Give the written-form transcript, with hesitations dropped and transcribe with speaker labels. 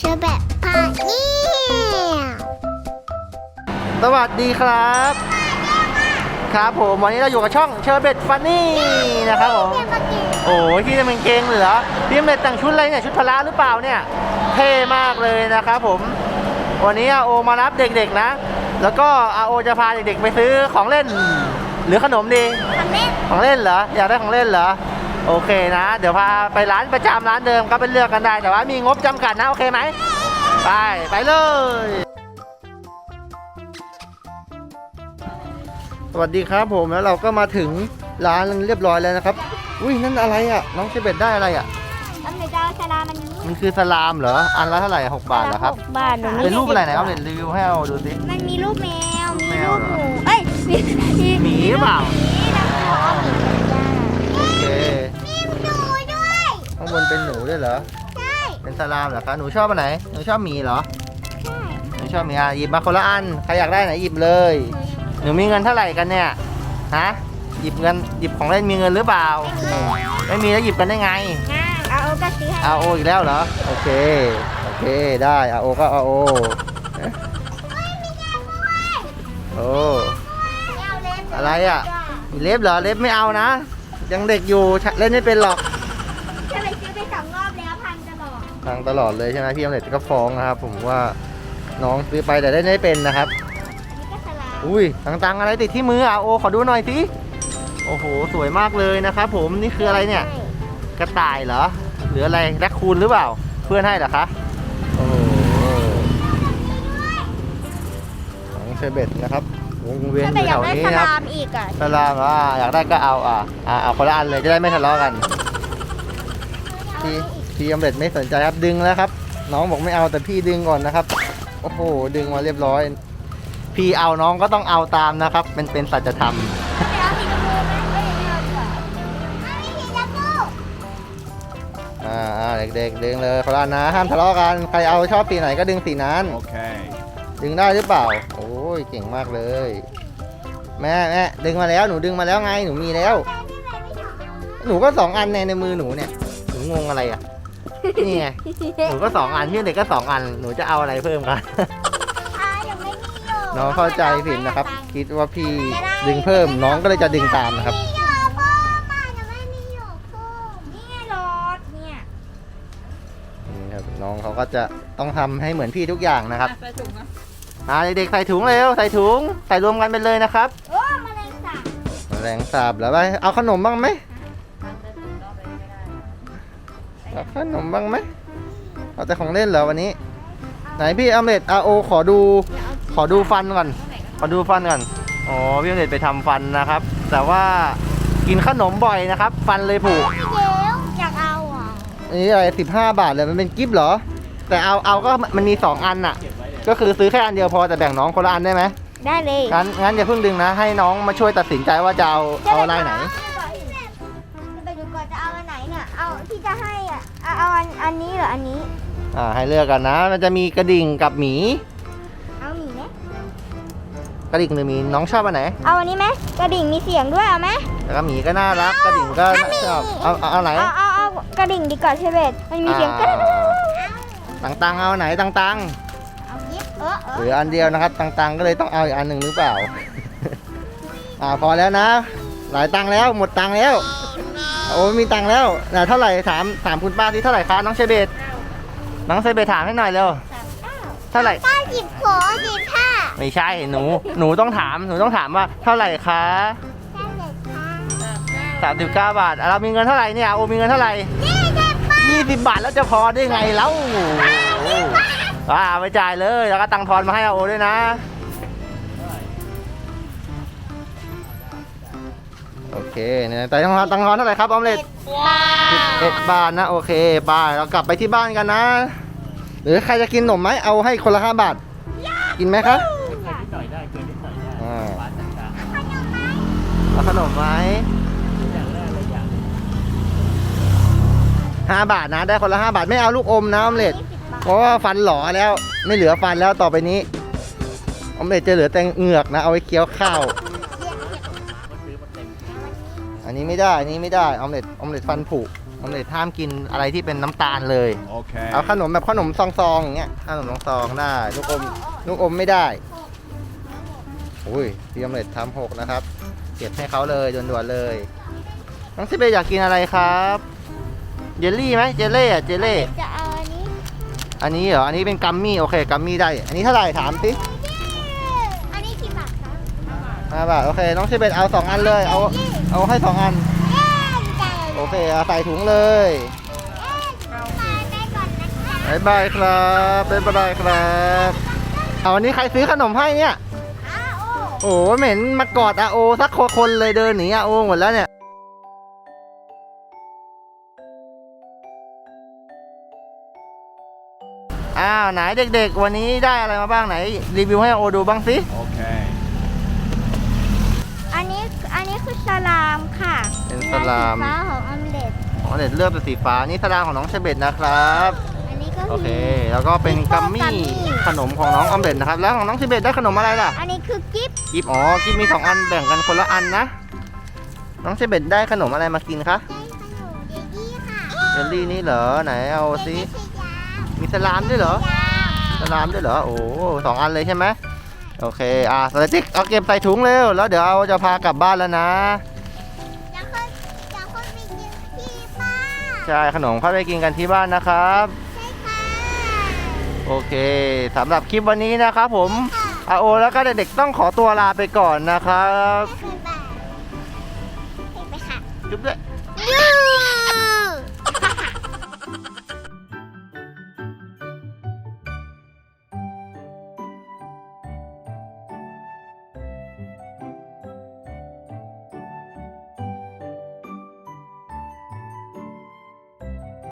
Speaker 1: อแบบพาเนี่ย
Speaker 2: สวัสดีครับครับผมวันนี้เราอยู่กับช่องเชอร์เบตฟันนี่นะครับผมโอ้ยที่จะเป็นเกงเหรอพี่เมตแต่งชุดอะไรเนี่ยชุดพละหรือเปล่าเนี่ยเท่มากเลยนะครับผมวันนี้อาโอมารับเด็กๆนะแล้วก็อาโอจะพาเด็กๆไปซื้อของเล่นหรือขนมดีของเล่นเหรออยากได้ของเล่นเหรอโอเคนะเดี๋ยวพาไปร้านประจำร้านเดิมก็ไปเลือกกันได้แต่ว่ามีงบจำกัดนะโอเคไหมไปเลยสวัสดีครับผมแล้วเราก็มาถึงร้านเรียบร้อยแล้วนะครับอุ้ยนั่นอะไรอ่ะน้องเชเบตได้อะไรอ่ะ
Speaker 1: อันไหนจะสลามัน
Speaker 2: คือสลามเหรออันละเท่าไหร่6 บาทเหรอครับ
Speaker 1: บาท
Speaker 2: เป็นรูปอะไรไหนครับเดี๋ยวรีวิวให้เราดูสิ
Speaker 1: มันมีรูปแมว
Speaker 2: รูป
Speaker 1: มี
Speaker 2: แมว
Speaker 1: รูป
Speaker 2: เหรอ
Speaker 1: หมูเอ้ยมี
Speaker 2: หมีหรือเปล่า โอเค
Speaker 1: มีหนูด้วย
Speaker 2: ข้างบนเป็นหนูด้วยเหรอ
Speaker 1: ใช่
Speaker 2: เป็นสลามเหรอคะหนูชอบอันไหนหนูชอบหมีเหรอ
Speaker 1: ใช่
Speaker 2: หนูชอบหมีอ่ะหยิบมาคนละอันใครอยากได้ไหนหยิบเลยหนูมีเงินเท่าไหร่กันเนี่ยฮะหยิบของเล่นมีเงินหรือเปล่าไม่มีแล้วหยิบกันได้ไง
Speaker 1: เอาโอกาสซื้อให้
Speaker 2: อาโออีกแล้วเหรอโอเคได้อาโอก็อาโอโอ้อะไรอ่ะมีเล็บเหรอเล็บไม่เอานะยังเด็กอยู่เล่นไม่เป็นหรอก
Speaker 1: จะไปซื้อไป2 รอบแล้วพันจะบอก
Speaker 2: ทางตลอดเลยใช่ไหมพี่อมเล็ตก็ฟ้องนะครับผมว่าน้องซื้อไปแต่เล่นไม่เป็นนะครับ
Speaker 1: อันนี้ก็สลา
Speaker 2: อุ้ยตังอะไรติดที่มืออาโอขอดูหน่อยสิโอ้โหสวยมากเลยนะครับผมนี่คืออะไรเนี่ยกระต่ายเหรอหรืออะไรแรคคูนหรือเปล่าเพื่อนให้เหรอคะโอ้โหของเชเบตนะครับวงเวียนอยู่แถวนี้นะครับ
Speaker 1: อีกอ่ะ
Speaker 2: สลามอยากได้ก็เอาเอาคนละอันเลยจะได้ไม่ทะเลาะกันพี่อมเล็ตไม่สนใจครับดึงแล้วครับน้องบอกไม่เอาแต่พี่ดึงก่อนนะครับโอ้โหดึงมาเรียบร้อยพี่เอาน้องก็ต้องเอาตามนะครับเป็นสัจธรรม
Speaker 1: ไม่เอาสีชมพูไหมไม่เอาดีกว่าเอาสีชมพู
Speaker 2: เด็กๆดึงเลยคนละอันนะห้ามทะเลาะกันใครเอาชอบสีไหนก็ดึงสีนั้น
Speaker 3: Okay.
Speaker 2: ดึงได้หรือเปล่าโอ้ยเก่งมากเลยแม่ดึงมาแล้วหนูดึงมาแล้วไงหนูมีแล้วหนูก็2 อันในมือหนูเนี่ยหนูงงอะไรอ่ะนี่ไงหนูก็2 อันพี่เด็กก็2 อันหนูจะเอาอะไรเพิ่มกัน
Speaker 1: ยังไม่มีโย
Speaker 2: น้องเข้าใจผิดนะครับคิดว่าพี่ดึงเพิ่มน้องก็เลยจะดึงตามนะครับ
Speaker 1: มีโยเพิ่มมายังไม่มีโยเพิ่มนี่ไงรถเนี่ย
Speaker 2: นี่ครับน้องเขาก็จะต้องทำให้เหมือนพี่ทุกอย่างนะครับเด็กๆใส่ถุงเร็วใส่ถุงใส่รวมกันไปเลยนะครับ
Speaker 1: โอ้แมลงสาบ
Speaker 2: แรงสาบแล้วไปเอาขนมบ้างไหมเอาขนมบ้างไหมเอาแต่ของเล่นเหรอวันนี้ไหนพี่อเมดอาโอขอดูฟันก่อนอ๋อพี่อเมดไปทำฟันนะครับ แต่ว่ากินขนมบ่อยนะครับ ฟันเลยผุ
Speaker 1: เดี๋ยวอยากเอาอ่ะ
Speaker 2: อันนี้อะไร15 บาทเลยมันเป็นกิฟต์เหรอแต่เอาก็มันมี2 อันน่ะก็คือซื้อแค่อันเดียวพอแต่แบ่งน้องคนละอันได้ไหม
Speaker 1: ได้เลย
Speaker 2: งั้นอย่าเพิ่งดึงนะให้น้องมาช่วยตัดสินใจว่าจะเอาอะไรไหน
Speaker 1: ไปดูก่อนจะเอาอันไหนเนี่ยเอาที่จะให้อ่ะเอาอันนี้เหรออันนี้
Speaker 2: ให้เลือกกันนะมันจะมีกระดิ่งกับหมี
Speaker 1: เอาหมีไหม
Speaker 2: กระดิ่งหรือหมีน้องชอบอันไหน
Speaker 1: เอาอันนี้ไหมกระดิ่งมีเสียงด้วยเอาไหม
Speaker 2: แล้วก็หมีก็น่ารักกระดิ่งก็ชอบเอาไหน
Speaker 1: เอากระดิ่งดีกว่าใช่ไหมมันมีเสียงกระดิ่ง
Speaker 2: ตังเอาไหนตัง
Speaker 1: เอายิบ
Speaker 2: หรืออันเดียวนะครับตังก็เลยต้องเอาอีกอันหนึ่งหรือเปล่า พอแล้วนะ หลายตังแล้วหมดตังแล้วโอ้มีตังแล้วเท่าไหร่ถามคุณป้าที่เท่าไหร่คะน้องเชเบตน้องเชเบตถามให้หน่อยเร็วเท่าไหร่
Speaker 1: ป้าหยิบขอหยิบผ้า
Speaker 2: ไม่ใช่หนูต้องถามว่าเท่าไหร่คะ
Speaker 1: แค่เด็กค่ะ
Speaker 2: 39 บาทเรามีเงินเท่าไหร่เนี่ยโอมีเงินเท่าไหร่20 บาทแล้วจะพอได้ไงแล้วไปจ่ายเลยแล้วก็ตังทอนมาให้โอด้วยนะโอเคเนี่ยแต่ตังทอนเท่าไหร่ครับออมเล็ต11 บาทนะโอเคไปเรากลับไปที่บ้านกันนะหรือใครจะกินขนมไหมเอาให้คนละ5 บาทกินไหมครับเอาขนมไหม5 บาทนะได้คนละ5 บาทไม่เอาลูกอมนะออมเล็ตเพราะว่าฟันหล่อแล้วไม่เหลือฟันแล้วต่อไปนี้ออมเล็ตจะเหลือแต่เหงือกนะเอาไว้เคี้ยวข้าวอันนี้ไม่ได้ออมเล็ตฟันผุออมเล็ตห้ามกินอะไรที่เป็นน้ำตาลเลย
Speaker 3: Okay.
Speaker 2: เอาขนมแบบขนมซองๆอย่างเงี้ยขนมซองๆได้ลูกอมไม่ได้อุ้ยพี่ออมเล็ตทำ6นะครับเก็บให้เขาเลยด่วนๆเลยน้องซิเบอยากกินอะไรครับเจลลี่ไหมเจลเล่อะเจลเล่
Speaker 1: จะเอาอันนี้
Speaker 2: อันนี้เหรออันนี้เป็นกัมมี่โอเคกัมมี่ได้อันนี้เท่าไหร่ถามสิ
Speaker 1: อันนี้กี่บาทคะ
Speaker 2: 5 บาทโอเคน้องซิเบเอา2 อันเลยเอาให้2 อัน
Speaker 1: เย้ดีใจเลย
Speaker 2: โอเคเอาใส่ถุงเลย
Speaker 1: ไปก่อนนะคะ
Speaker 2: บ๊ายบายครับบ๊ายบายครับเอาวันนี้ใครซื้อขนมให้เนี่ย
Speaker 1: อ้าว
Speaker 2: โอ้โหเหม็นมากอดอาโอสักคนเลยเดินหนีอาโอหมดแล้วเนี่ยอ้าวไหนเด็กๆวันนี้ได้อะไรมาบ้างไหนรีวิวให้อาโอดูบ้างสิ
Speaker 3: Okay.
Speaker 1: อันนี้คือสลามค่ะ
Speaker 2: เป็นสลาม
Speaker 1: สีฟ้าของออมเล็ต
Speaker 2: อ๋อเด็ดเลือกเป็นสีฟ้านี่สลามของน้องเชเบตนะครับ
Speaker 1: อันนี้ก็
Speaker 2: โอเคแล้วก็เป็นกัมมี่ขนมของน้องออมเด็ดนะครับแล้วของน้องเชเบตได้ขนมอะไรล่ะ
Speaker 1: อันนี้คือกิฟต์
Speaker 2: กิฟอ๋อกิฟมี2 อันแบ่งกันคนละอันนะน้องเชเบตได้ขนมอะไรมากินคะ
Speaker 1: ได้ขนมเดดี้ค่ะ
Speaker 2: เจลลี่นี่เหรอไหนเอาสิ
Speaker 1: ไม่ใช่ยา
Speaker 2: มีสลามด้วยเหรอ
Speaker 1: ยา
Speaker 2: สลามด้วยเหรอโอ้2 อันเลยใช่ไหมโอเคสติ๊กเอาเก็บใส่ถุงเร็วแล้วเดี๋ยวจะพากลับบ้านแล้วนะ
Speaker 1: แล้วคนไปกินที่บ้าน
Speaker 2: ใช่ขนมค่อยไปกินกันที่บ้านนะครับ
Speaker 1: ใช่ค่ะ
Speaker 2: โอเคสำหรับคลิปวันนี้นะครับผม
Speaker 1: ค่ะ
Speaker 2: อาโอแล้วก็เด็กๆต้องขอตัวลาไปก่อนนะครับ
Speaker 1: ไม่เคยบ้านเห็นไหมค่ะ
Speaker 2: จุ๊บด้วย
Speaker 1: ยู